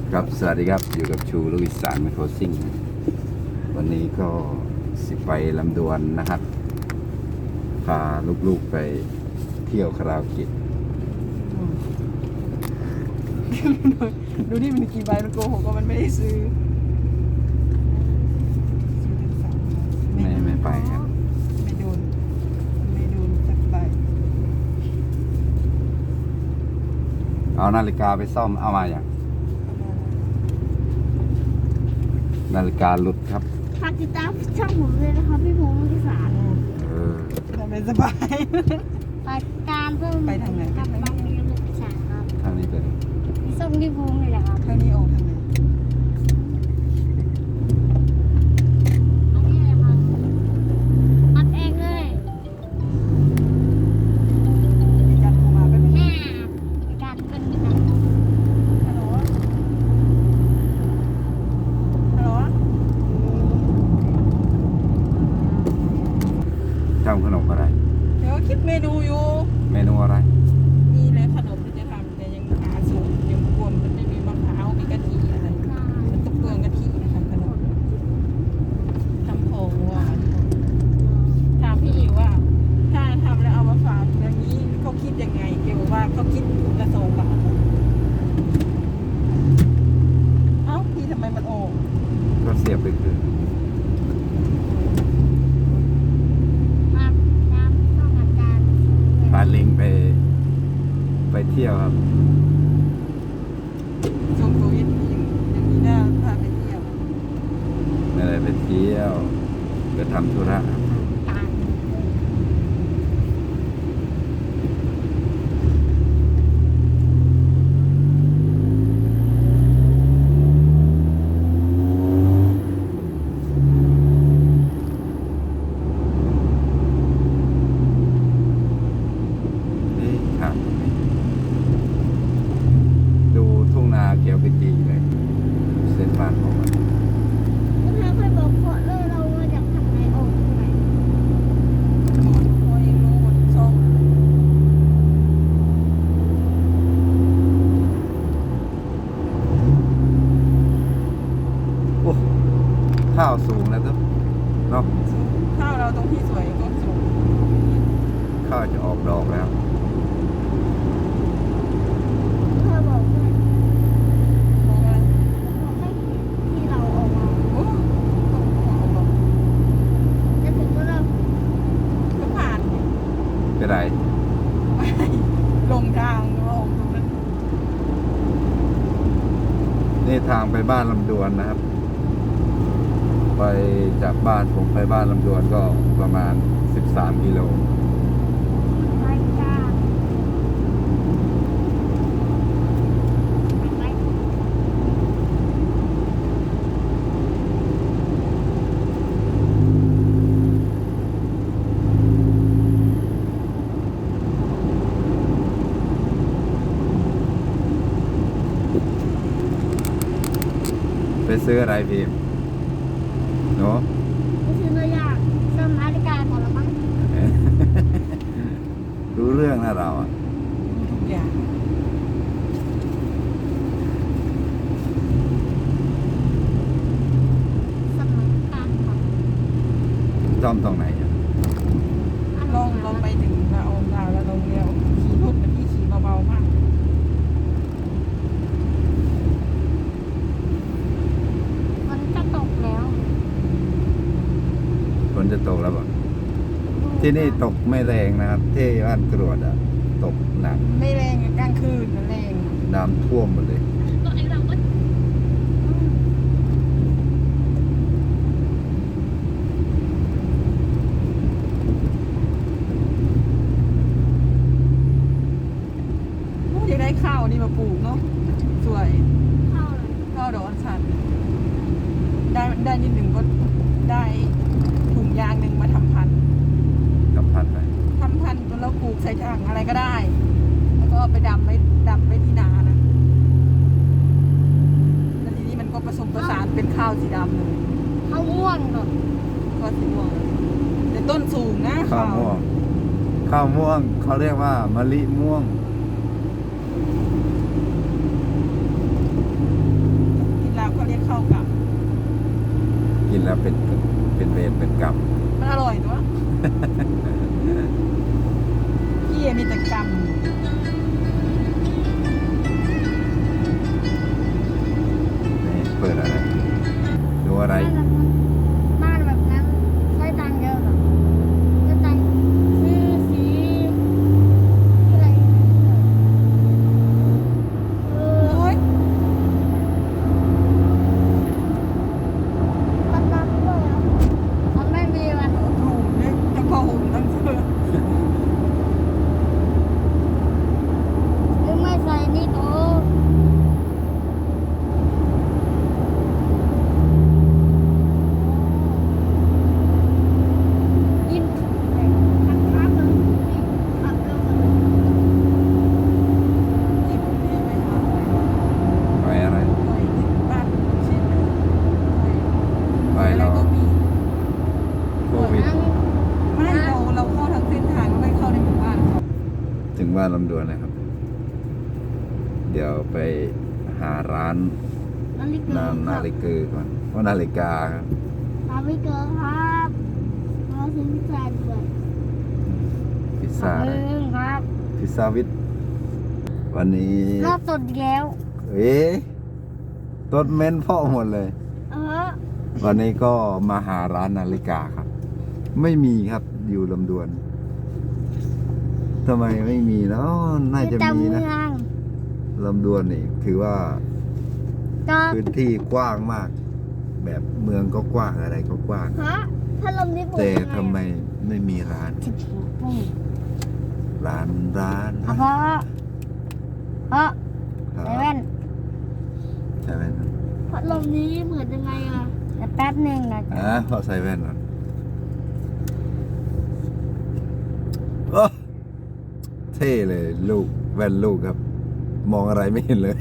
ครับสวัสดีครับอยู่กับชูลูกอีสานไมโครซิ่งวันนี้ก็สิไปลำดวนนะครับพาลูกๆไปเที่ยวคาราโอเกะดูนี่มันกี่ใบมันโกหกว่ามันไม่ได้ซื้อไม่ไปครับไม่โดนสักใบเอานาฬิกาไปซ่อมเอามาอย่างนาฬิกาหลุดครับฝากติดตามช่องผมเลยนะคะพี่พงศ์ลูกศาลทำเป็นสบายฝากติดตามเพิ่มไปทางไหนกับบ้านเลี้ยงลูกศาลครับทางนี้เป็นพี่ส้มพี่พงศ์เลยแหละครับทางนี้ออกทางไหนอันนี้เลยครับอัดเองเลยมีการโทรมาเป็นแม่การเป็นแบบฮัลโหลฮัลโหลทำขนมอะไรเดี๋ยวคิดเมนูอยู่เมนูอะไรมีแล้วขนมที่จะทำแต่ยังหาสูตรยังกลัวมันไม่มีมะพร้าวมีกะทิอะไรมันต้องเปลืองกะทินะคะขนมทำของหวานถามพี่อิ๋วว่าถ้าทำแล้วเอามาฝากอย่างนี้เขาคิดยังไงเกี่ยวกับว่าเขาคิดถุงละ2 บาทเอ้าพี่ทำไมมันโอ่งก็เสียบไปคือมาตามช่องอาจารย์พาลิงไปเที่ยวครับช่วงโควิดยังมีหน้าพาไปเที่ยวไม่ได้ไปเที่ยวไปทำธุระครับการนี่ครับดูทุ่งนาเขียวขจีเลยเส้นบ้านของมันคุณแม่เคยบอกพ่อเลยเราว่าอยากทำไงออกไหมพอเองรู้หมดช่องโอ้ข้าวสูงแล้วทุกเนาะข้าวเราตรงที่สวยก็สูงข้าวจะออกดอกแล้วเธอบอกด้วยมองอะไรบอกให้ที่เราออกมาโอ้ต้องบอกจะถึงก็เราก็ผ่านเป็นไรลงทางลงตรงนั้นนี่ทางไปบ้านลำดวนนะครับ ไปจากบ้านผมไปบ้านลำดวนก็ประมาณ13 กิโลไปจ้าไปไปซื้ออะไรพิมพ์เนาะไปซื้อเนื้อย่างเติมนาฬิกาก่อนละมั้งรู้เรื่องนะเราอ่ะดูทุกอย่างสมัยการของซ่อมตรงไหนอ่ะลองไปถึงเราแล้วลงเดียวขี่รถนะพี่ขี่เบาๆมากมันจะตกแล้วฝนจะตกแล้วบ่ที่นี่ตกไม่แรงนะครับ ที่บ้านกรวดอ่ะ ตกหนักไม่แรงกลางคืนมันแรงน้ำท่วมหมดเลยตัวไอ้เราก็อยากได้ข้าวนี่มาปลูกเนาะสวยเข้าเลยข้าวดอกอัญชันได้นิดหนึ่งก็ได้ถุงยางหนึ่งมาทำพันธุ์กับพัดไปทำพันธุ์แล้วปลูกใส่ถังอะไรก็ได้ แล้วก็เอาไปดำไว้ที่นานะแล้วทีนี้มันก็ผสมผสานเป็นข้าวสีดำเลยเข้าม่วงก่อนก็สีม่วงแต่ต้นสูงนะข้าวม่วง ข้าวม่วงเขาเรียกว่ามะลิม่วงเป็นเวรเป็นกรรมมันอร่อยตัว พี่มีแต่กรรมนี่เปิดอะไรดูอะไรบ้านแบบนั้นใช้ตังค์เยอะเหรอใช้ตังค์ซื้อสีอะไรเออโอ้ยตังค์ด้วยเหรอมันไม่มีว่ะถูกเนี่ยทั้งผ้าห่มทั้งเสื้อหรือไม่ใส่นี่โตกินทักทักเลยนี่ทักเกินเลยที่ผมเรียนไปหาหอยไปอะไรหอยที่บ้านชิ้นหนึ่งหอยไปอะไรเราก็มีโควิดไม่เราเข้าทางเส้นทางไม่เข้าในหมู่บ้านเขาถึงบ้านลำดวนนะครับ เดี๋ยวไปหาร้านนาฬิกานาฬิกาก่อนเพราะนาฬิกาครับนาฬิกาครับมาซื้อพิซซ่าด้วยพิซซ่าอะไรครับพิซซ่าวิทวันนี้รอบสดแล้วเอ๊ะต้นเม้นพ่อหมดเลยเออวันนี้ก็มาหาร้านนาฬิกาครับ ไม่มีครับอยู่ลำดวนทำไมไม่มีเนาะน่าจะแต่มีเมืนะองลำดวนนี่ถือว่าก็พื้นที่กว้างมาก แบบเมืองก็กว้างอะไรก็กว้างฮะถ้าลมนี้ปลุกแต่ทำไมไม่มีร้านสิบหกปุ่มร้านอ่ะเพราะครับเซเว่นใช่ไหมครับพัดลมนี้เหมือนยังไงอ่ะแต่แป๊บหนึ่งนะพอใส่แว่นก่อนโอ้เท่เลยลูกแว่นลูกครับ มองอะไรไม่เห็นเลย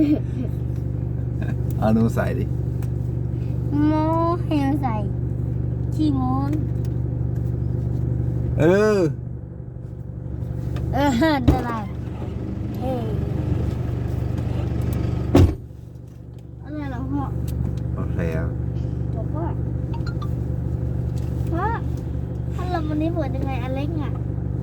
เอาหนูใส่ดิโมเฮลใส่ขี้โมนเอออะไรอะไรเหรอพ่อโอเคครับบอกว่าพ่อพัดลมวันนี้เปิดยังไงอเล็กอ่ะ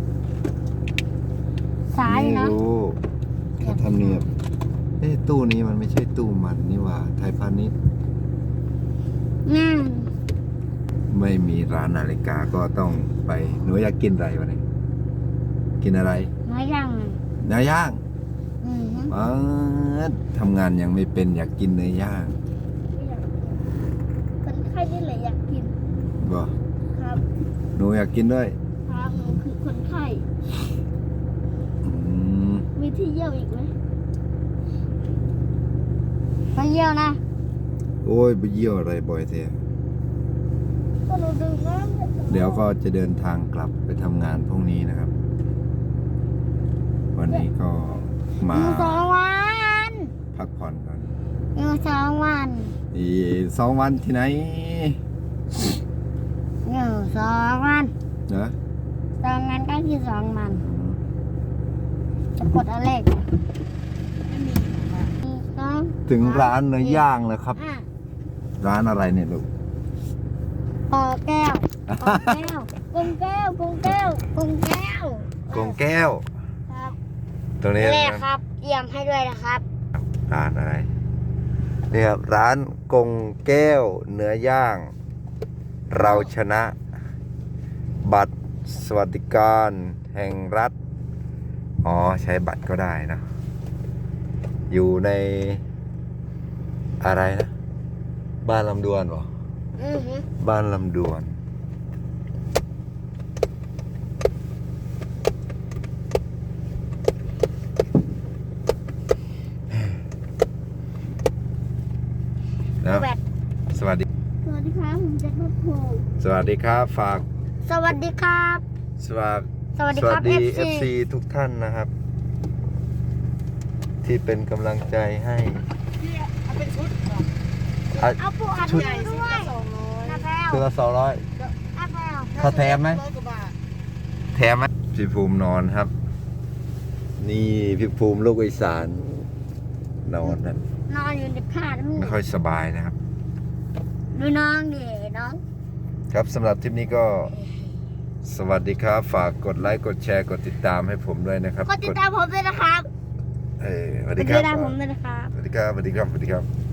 สายไม่นะรู้แค่ทำเนียบตู้นี้มันไม่ใช่ตู้มันนี่หว่า ไทยพาณิชย์นั่นไม่มีร้านนาฬิกาก็ต้องไป หนูอยากกินอะไรวะเนี่ยกินอะไรน้อยยังเนื้อย่างอืมทำงานยังไม่เป็นอยากกินเนื้อย่างไม่อยากกินคนไข้นี่แหละอยากกินบ่ครับหนูอยากกินด้วยครับหนูคือคนไข้อืมมีที่เยี่ยวอีกไหมไปเยี่ยวนะโอ้ยไปเยี่ยวอะไรบ่อยเท่ก็หนูดื่มน้ำเดี๋ยวก็จะเดินทางกลับไปทำงานพรุ่งนี้นะครับ วันนี้ก็อมายู่2 วันพักผ่อนก่อนอยู่2 วันอีก2 วันที่ไหนอยู่2 วันนะ 2 วันก็คือ2 วันอืมจะกดอะไรกไม่มีมา 2 ถึงร้านเนื้อย่างแล้วครับอ่ะร้านอะไรเนี่ยลูกปอแก้วปอแก้วกงแก้วกงแก้วกงแก้วกงแก้วครับตรงนี้แรนะกครับเตรียมให้ด้วยนะครับร้านอะไรนี่ครับร้านกงแก้วเนื้อย่าง เราชนะ บัตรสวัสดิการแห่งรัฐ อ๋อ ใช้บัตรก็ได้นะ อยู่ในอะไรนะ บ้านลำดวนเหรออือฮึบ้านลำดวน แล้วแบตสวัสดีสวัสดีครับผมแจ็ครถโผล่สวัสดีครับ ฝากสวัสดีครับสวัสสวัสดีครับ FC FC ทุกท่านนะครับ ที่เป็นกำลังใจให้พี่เอาเป็นชุดเหรออ่ะเอาปูอัดชุดมาใหญ่ชุดด้วยละ200 นะแพลวคือละ200 นะแพลวเขาแถมไหม 100 กว่าบาทแถมไหมพี่ภูมินอนครับ นี่พี่ภูมิลูกอีสานนอนนะนอนอยู่ในผ้าแล้วไม่ค่อยสบายนะครับดูน้องดิน้องครับสำหรับทริปนี้ก็สวัสดีครับ ฝากกดไลค์กดแชร์กดติดตามให้ผมด้วยนะครับกดติดตามผมด้วยนะครับสวัสกดีดคติรับดตามผมด้วยนะครับสวัสดีครับสวัสดีครับสวัสดีครับ